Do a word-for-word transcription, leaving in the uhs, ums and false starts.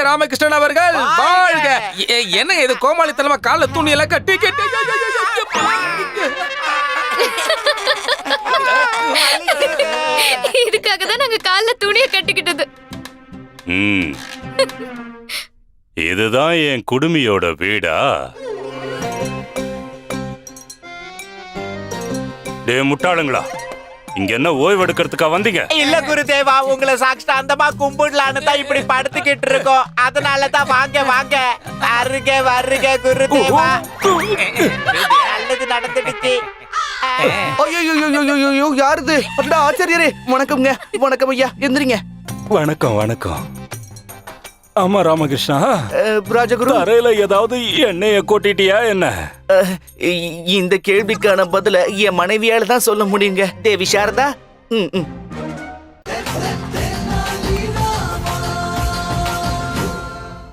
ராமகிருஷ்ணன் அவர்கள் வாழ்க. என்ன இது கோமாளித்தனமா கால துணி எல்லாம் கட்டி கட்டி இதுக்காக தான் நாங்க கால்ல துணியை கட்டிக்கிட்டது. ம். இதுதான் என் குடுமியோட வீடா? டே முட்டாளுங்களா, இங்க என்ன ஓய்வு எடுக்கிறதுக்கா வந்தீங்க? இல்ல குருதேவா, உங்களை சாஷ்டாந்தமா கும்பிடலான்னு தான் இப்படி படுத்துக்கிட்டு இருக்கோம். அதனால தான் வாங்க வாங்க வருக வருக குருதேவா. நல்லது நடந்துடுச்சு. ஐயோ, யாருது? ஆச்சரியரே, வணக்கம்ங்க. வணக்கம் ஐயா, எந்திரிங்க. வணக்கம் வணக்கம். ஆமா ராமகிருஷ்ணா, ராஜகுரு, அறையில ஏதாவது எண்ணெய கொட்டிட்டியா என்ன? இந்த கேள்விக்கான பதில என் மனைவியால தான் சொல்ல முடியுங்க. தேவி சாரதா, ம் ம்